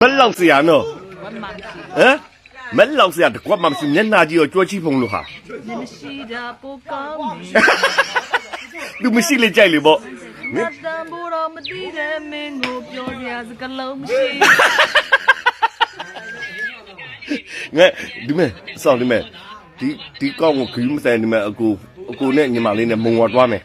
မလောက်စရာနော်ဟမ်မလောက်စရာတကွက်မှမရှိမျက်နှာကြီးရောကြွချီဖုံလို့ဟာမရှိတာပိုကောင်းလူမရှိလေကြိုက်လေပေါ့ငါတန်ဖို့တော့မသိတဲ့မင်းကိုပြောပြစကလုံးမရှိငါဒီမဲ့စောင့်ဒီမဲ့ဒီကောင်းကိုခရီးမဆိုင်ဒီမဲ့အကိုနဲ့ညီမလေးနဲ့မုံဝါသွားမယ်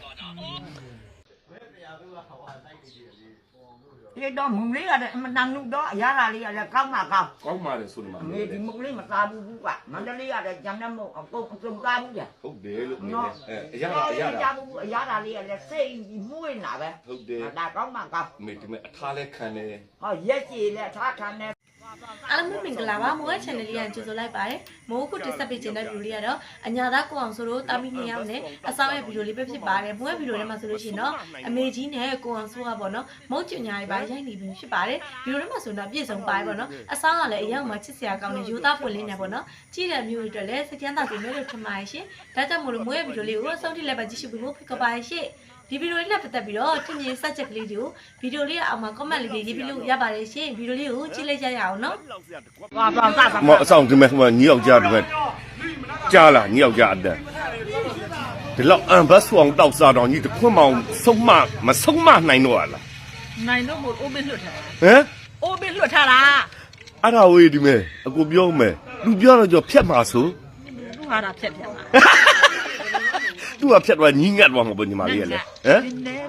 ဒီတော့မုံလေးရတယ်မတန်လို့တော့အရာလေးရတယ်ကောင်းမှကောင်းကောင်းပါလေဆိုဒီမှာဒီမုံလေးမစားဘူးကမန္တလေးရတယ်ဂျန်နမို့အကုန်စုံစားဘူးကြဟုတ်တယ်လို့အရာအရာလေးရတယ်စိတ်မှုဝင်လာပဲဟုတ်တယ်ဒါကောင်းမှကောင်းမေဒီမဲ့အထားလဲခံတယ်ဟောရက်ကြီးလဲအထားခံတယ်အားလုံးမင်္ဂလာပါမိုး channel လေးကကြိုဆိုလိုက်ပါတယ်မိုးခုတက်ဆက်ပေးခြင်းတဲ့ဗီဒီယိုလေးကတော့အညာသားကိုအောင်ဆိုတော့တာမီ2ယောက်နဲ့အဆောင်ရဲ့ဗီဒီယိုလေးပဲဖြစ်ပါတယ်မိုးရဲ့ဗီဒီယိုထဲမှာဆိုလို့ရှိရင်တော့အမေကြီးနဲ့ကိုအောင်ဆိုကပေါ့နော်မုတ်ကျညာတွေပါရိုက်နေပြီဖြစ်ပါတယ်ဗီဒီယိုထဲမှာဆိုတော့ပြည့်စုံပါတယ်ပေါ့နော်အဆောင်ကလည်းအရောက်မှာချစ်စရာကောင်းတဲ့ယူသားပွင့်လင်းနေပေါ့နော်ကြည့်တဲ့မျိုးတွေအတွက်လည်းစကြမ်းသာကြည့်မယ်လို့ထင်ပါတယ်ရှင်ဒါကြောင့်မို့လို့မိုးရဲ့ဗီဒီယိုလေးကိုအဆုံးထိလည်းပဲကြည့်ရှုဖို့ဖိတ်ခေါ်ပါတယ်ရှင်ဒီဗီဒီယိုလေးနဲ့ပတ်သက်ပြီးတော့ထင်မြင်စက်ချက်ကလေးတွေကိုဗီဒီယိုလေးအောက်မှာ comment လေးရေးပြီးလို့ရပါတယ်ရှင်ဗီဒီယိုလေးကိုကြည့်လိုက်ကြရအောင်နော်မအဆောင်ဒီမဲ့ညီယောက်ကြားဒီမဲ့ကြားလာညီယောက်ကြားအတက်ဒီလောက်အန်ဘတ်ဆောင်တောက်စားတော့ညီတခွန်းမောင်ဆုံးမဆုံးမနိုင်တော့လားနိုင်တော့မို့အိုးမလွတ်ထားဟမ်အိုးမလွတ်ထားတာအဲ့ဒါဝေးဒီမဲ့အကိုပြောမယ်လူပြောတော့ကြောဖြတ်မှာဆိုသူဟာတာဖြတ်မှာသူကဖြတ်သွားညီငတ်သွားမှာပေါ့ညီမလေးကလေဟမ်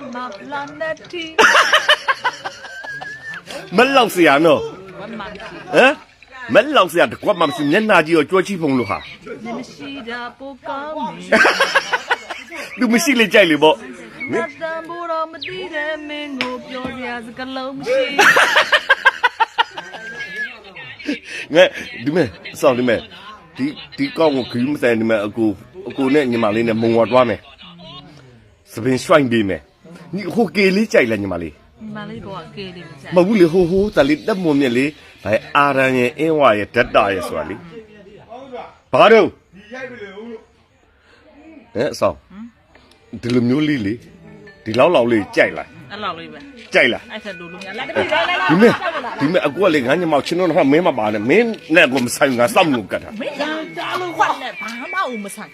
မလောက်စရာနော်ဟမ်မလောက်စရာတကွက်မှမရှိမျက်နှာကြီးရောကြွချီဖုံလို့ဟာမရှိတာပိုကောင်းလူမရှိလေကြိုက်လေပေါ့ငါတန်ဖို့တော့မသိတဲ့မင်းကိုပြောပြစကလုံးမရှိငါဒီမဲ့စောင့်ဒီမဲ့ဒီကောင်းကိုခရီးမဆိုင်ဒီမဲ့အကိုနဲ့ညီမလေးနဲ့မုံဝါသွားမယ်စပင်ရွှိုင်းပေးမယ်ညီဟိုကေလေးကြိုက်လားညီမလေးညီမလေးကအကေလေးကြိုက်မဟုတ်ဘူးလေဟိုတလေးတက်မွန်မြက်လေးဘာအာရန်ရဲ့အင်းဝါရဲ့ဓာတ်တာရဲ့ဆိုတာလေဘာတော့အဆောင်ဒီလိုမျိုးလေးလေဒီလောက်လေးကြိုက်လားအဲ့လောက်လေးပဲကြိုက်လားအဲ့ဆက်လို့များလာတပိလာဒီမဲ့အကူကလေငါညမောက်ချင်းတော့မင်းမပါနဲ့မင်းနဲ့ကိုမဆိုင်ငါစောင့်လို့ကတ်တာမင်းကြားလို့ခွက်နဲ့ဘာမှမဆိုင်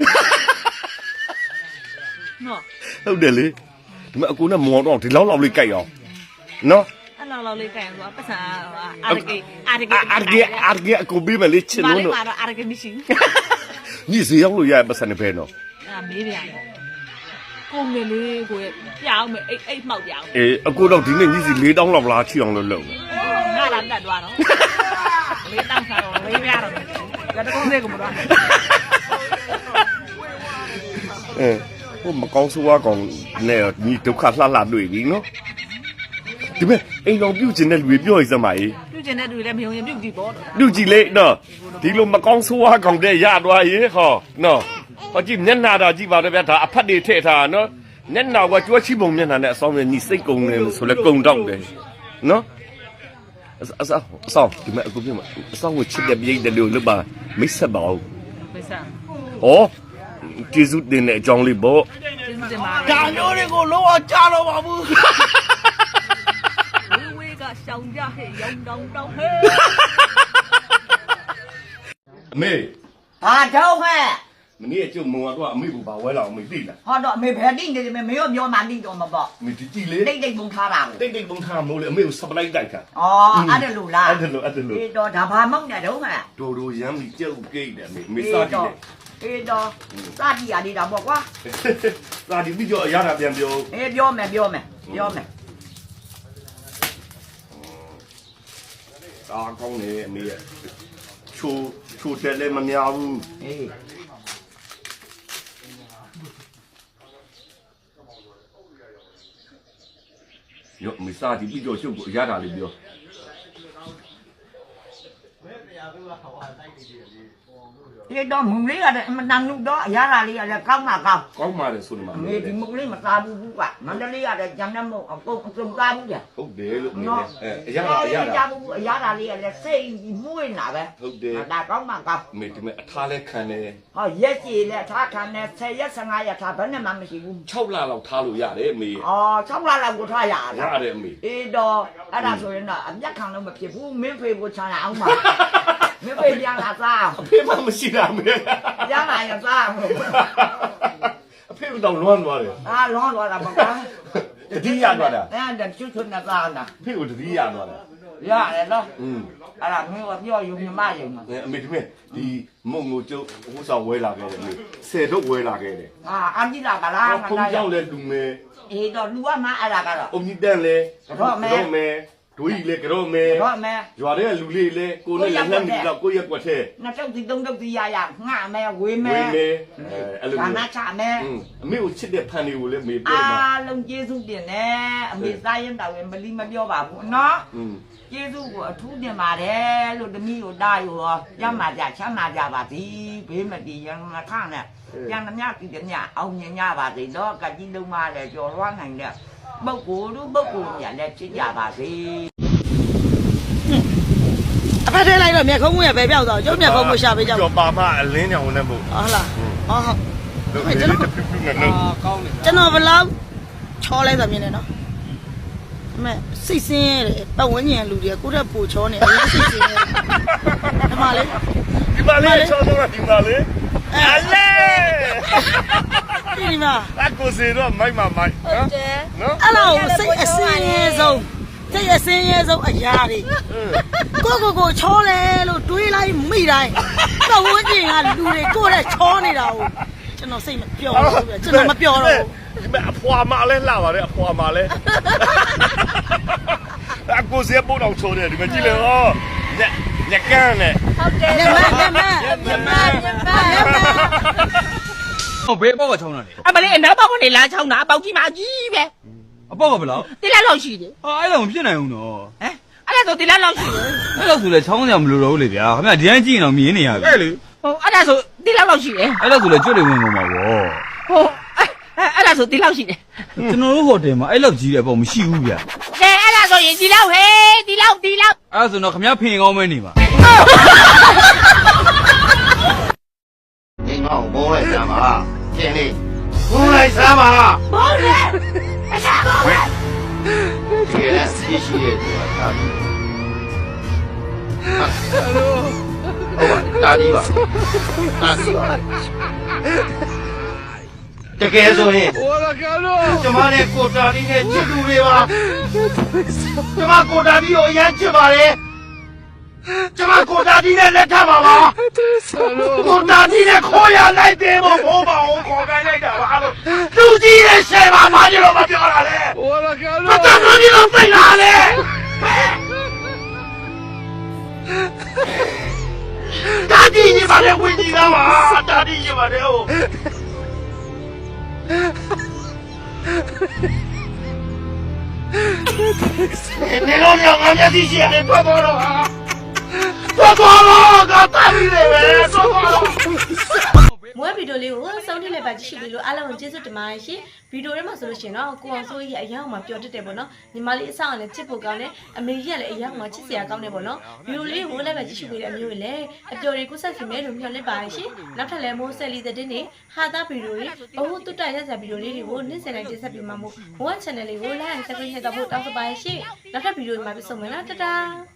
နော်ဟုတ်တယ်လေဒီမဲ့အကူနဲ့မော်တော့ဒီလောက်လေးကြိုက်အောင်နော်အဲ့လောက်လေးကြိုက်အောင်ပတ်စံအာရကေအကူပြီးမလေးချင်လို့နော်အာရကေမရှိညီစီရောက်လို့ရပတ်စံနေပဲနော်မေးပြန်ကိုငယ်လေးကိုပြောင်းမယ်အိတ်မှောက်ပြောင်းအကူတော့ဒီနေ့ညီစီ4000လောက်လားချီအောင်လို့လုပ်ငါလာတက်သွားတော့4000ဆောင်းလေးပြရတော့လက်ကုန်းလေးကိုမတော့ဟိုမကောင်းဆိုးကောင်းနဲ့ညီဒုက္ခလှတွေ့ပြီနော်ဒီမဲ့အိမ်တော်ပြုတ်ကျင်တဲ့လူတွေပြောရစမ်းပါရေးပြုတ်ကျင်တဲ့လူတွေလည်းမယုံရင်ပြုတ်ကြည့်ပေါ့ပြုတ်ကြည့်လေနော်ဒီလိုမကောင်းဆိုးကောင်းတဲ့ရသွားရေးဟောနော်ဟောကြည့်မျက်နှာတော့ကြည့်ပါတော့ဗျာဒါအဖတ်တွေထည့်ထားနော်မျက်နှာကကြွချီပုံမျက်နှာနဲ့အဆောင်နဲ့ညီစိတ်ကုံနေဆိုလဲကုံတော့တယ်နော်အဆောင်ဒီမဲ့အခုပြမအဆောင်ကိုချစ်တဲ့ပြိတ္တလို့လို့ပါမိတ်ဆက်ပါဦးမိတ်ဆက်ဟောကျေးဇူးတင်တဲ့အကြောင်းလေးပေါ့ကျေးဇူးတင်ပါဒါမျိုးတွေကိုလုံးဝကြားတော့ပါဘူးဝေးကရှောင်းကြဟဲ့ရောင်းတောင်းဟဲ့အမေဘာတော့ဟဲ့မနေ့ကကျုပ်မုံကတော့အမေကိုဘာဝဲလာအောင်မေသိလားဟောတော့အမေဘယ်တိနေတယ်မေရောမျောမှတိတော့မပေါ့မေဒီကြည့်လေတိတ်ပုံထားတာတိတ်ပုံထားမို့လေအမေကိုစပလိုက်တိုက်တာအဲ့ဒါလို့လားအဲ့ဒါလို့ဒီတော့ဒါဘာမောက်နေတော့ဟဲ့ဒိုရမ်းပြီးကျုပ်ကိတ်တယ်မေစားကြည့်တယ်အေးတော့စာတီရနေတာပေါ့ကွာစာတီပြီးတော့ရတာပြန်ပြောပြောမယ်အာကောင်းနေအမေရဲ့ချိုတယ်လည်းမများဘူးအေးရောမစားတီပြီးတော့ရှုပ်ကိုရတာလေးပြောဒီတော့မုံလေးရတယ်မတန်လို့တော့အရာလာလေးရတယ်ကောင်းမှာကောင်းကောင်းပါတယ်ဆိုနေမှာအမေဒီမုံလေးမသားဘူးကမန္တလေးရတယ်ဂျန်နမုံအကုန်အစုံသားဘူးကြဟုတ်တယ်လို့မေအရာကြားဘူးအရာလာလေးရတယ်စိတ်မွေးနာပဲဟုတ်တယ်ဒါကောင်းမှာကောင်းမေဒီမဲ့အထားလဲခံတယ်ဟောရက်ကြီးလဲထားခံနဲ့10ရက်15ရက်ထားဘယ်နဲ့မှမရှိဘူး 6လလောက်ထားလို့ရတယ်မေအော်6လလောက်ကိုထားရတာရတယ်မေအေးတော့အဲ့ဒါဆိုရင်တော့အမျက်ခံလို့မဖြစ်ဘူးမင်းဖေကိုချာရအောင်ပါမင်းဖေပြန်လာစားအဖေမှမရှိတာမေပြန်လာရစားအဖေကတော့လွမ်းသွားတယ်အာလောလောတာပါကွာတတိယသွားတာအဲ့ဒါကျွတ်ထွန်းနေတာနာအဖေကိုတတိယသွားတာရတယ်နော်อืมအဲ့ဒါမင်းကပြောယူမြမယူမှာအမေဒီမဲ့ဒီမုံကိုကျုပ်ဟိုဆောင်ဝဲလာခဲ့တယ်မေ10တော့ဝဲလာခဲ့တယ်အာအန်ဒီလာကလားဖုန်းကြောက်လဲလူမဲအေးတော့လူကမှအဲ့ဒါကတော့အုံကြီးတန်းလဲမဲဒွေးလဲကြောမဲတော့မဲရွာတဲ့လူလေးလဲကိုနဲ့လက်နှမ်းပြီးတော့ကိုရက်ွက်ထဲနှစ်တုတ်ဒီသုံးတုတ်ဒီရငှမဲဝေးမဲဝေးမဲအဲ့လိုဒါမျိုးနာချမဲအမေကိုချစ်တဲ့ဖန်တွေကိုလည်းမေပြောအာမှာလုံးကျေးဇူးတင်တယ်အမေစားရင်တော့မလီမပြောပါဘူးနော်อืมကျေးဇူးကိုအထူးတင်ပါတယ်လို့တမီးကိုတားယူရောရမ်းပါကြချမ်းသာကြပါသည်ဘေးမတည်ရန်မခနဲ့ပြန်မမြတည်တယ်မြအောင်မြင်ကြပါစေတော့ကကြီးလုံးမလည်းကြော်လွှမ်းနိုင်တဲ့ပုဂ္ဂိုလ်တို့ပုဂ္ဂိုလ်ညာလည်းချစ်ကြပါစေအဖက်ထဲလိုက်တော့မျက်ခုံးကပဲပြောက်သွားကျုပ်မျက်ခုံးကိုရှာပေးကြပါကြော်ပါမအလင်းကြောင်နဲ့ပို့ဟုတ်လားဟုတ်လို့ကျွန်တော်တပြူးပြူးနဲ့လို့ကျွန်တော်ဘလောက်ချောလိုက်တာမြင်နေနော်အမေစိတ်ဆင်းရဲတယ်ပတ်ဝန်းကျင်လူတွေကကိုယ့်တက်ပူချောနေအရင်စိတ်ဆင်းရဲဒီမှာလေဒီမလေးချောတော့ဒီမလေးအလေဒီမှာအကူစီတော့မိုက်မမိုက်နော်နော်အဲ့လောက်စိတ်အဆင်းရဲဆုံးစိတ်အဆင်းရဲဆုံးအရာတွေကိုချောလဲလို့တွေးလိုက်မိတိုင်းပတ်ဝန်းကျင်ကလူတွေကိုယ့်တက်ချောနေတာကိုကျွန်တော်စိတ်မပျော်ဘူးဗျကျွန်တော်မပျော်တော့ဘူးဒီမဲ့အဖွာမလဲလှပါတယ်အဖွာမလဲအကူစီပို့တော့ချိုးတယ်ဒီမဲ့ကြည့်လေဟောညကန်းနဲ့ညမဟောဘေးအပေါက်ကချောင်းတာလေအမလေးအနောက်ဘောက်ကနေလာချောင်းတာအပေါက်ကြီးမကြီးပဲအပေါက်ကဘယ်လောက်တိလက်လောက်ရှိတယ်ဟာအဲ့ဒါမဖြစ်နိုင်ဘူးနော်ဟမ်အဲ့ဒါဆိုတိလက်လောက်ရှိတယ်အဲ့လောက်ဆိုလဲချောင်းစရာမလိုတော့ဘူးလေဗျာခင်ဗျဒီတိုင်းကြည့်ရင်တော့မြင်နေရပြီအဲ့လေဟိုအဲ့ဒါဆိုတိလက်လောက်ရှိတယ်အဲ့လောက်ဆိုလဲကြွတ်တွေဝင်ကုန်ပါဗောဟိုအဲ့ဒါဆိုတိလောက်ရှိတယ်ကျွန်တော်တို့ဟိုတယ်မှာအဲ့လောက်ကြီးတဲ့အပေါက်မရှိဘူးဗျာကဲအဲ့ဒါဆိုရင်တိလောက်ဟေးတိလောက်အဲ့ဒါဆိုတော့ခင်ဗျဖင်ကောင်းမဲနေပါ你看我来干嘛？经理，我来干嘛？ ဘောလေ这个司机也多大？大地吧，大地吧。这个说呢？我的干了！怎么的？国家的呢？记住了吧？怎么国家的有研究吧嘞？怎么国家的呢？来看吧吧？国家的呢？可以来的吗？我把我可该来的吧？手机的谁把把你老婆掉了嘞？我的干了！把大手机都飞哪嘞？大地，你把这回你干嘛？大地，你把这哦。你老娘俺家的鞋给脱光了啊！脱光了，俺大地的呗，脱光了。 မွေးဗီဒီယိုလေးကိုစောင့်ကြည့်လိုက်ပါကြည့်ရှုပြီးလို့အားလုံးကိုကျေးဇူးတင်ပါတယ်ရှင်ဗီဒီယိုထဲမှာဆိုလို့ရှိရင်တော့ကိုအောင်စိုးကြီးအရင်ကမှပျော်တတ်တယ်ပေါ့နော်ညီမလေးအဆောင်ကလည်းချစ်ဖို့ကောင်းတယ်အမေကြီးကလည်းအရင်ကမှချစ်စရာကောင်းတယ်ပေါ့နော်ဗီဒီယိုလေးကိုလိုက်ပါကြည့်ရှုပြီးတဲ့အမျိုးတွေလည်းအပျော်တွေကိုဆက်ခင်မဲလို့မျှော်လင့်ပါတယ်ရှင်နောက်ထပ်လည်းမိုးဆက်လီတဲ့တင်းနေဟာသားဗီဒီယိုတွေဘဟုတုတ္တရက်စာဗီဒီယိုလေးတွေကိုနေ့စဉ်တိုင်းတင်ဆက်ပေးမှာမို့ One Channel လေးကို like and subscribe လုပ်ဖို့တောင်းဆိုပါရှင်နောက်ထပ်ဗီဒီယိုမှာပြန်ဆုံမယ်နော်တတား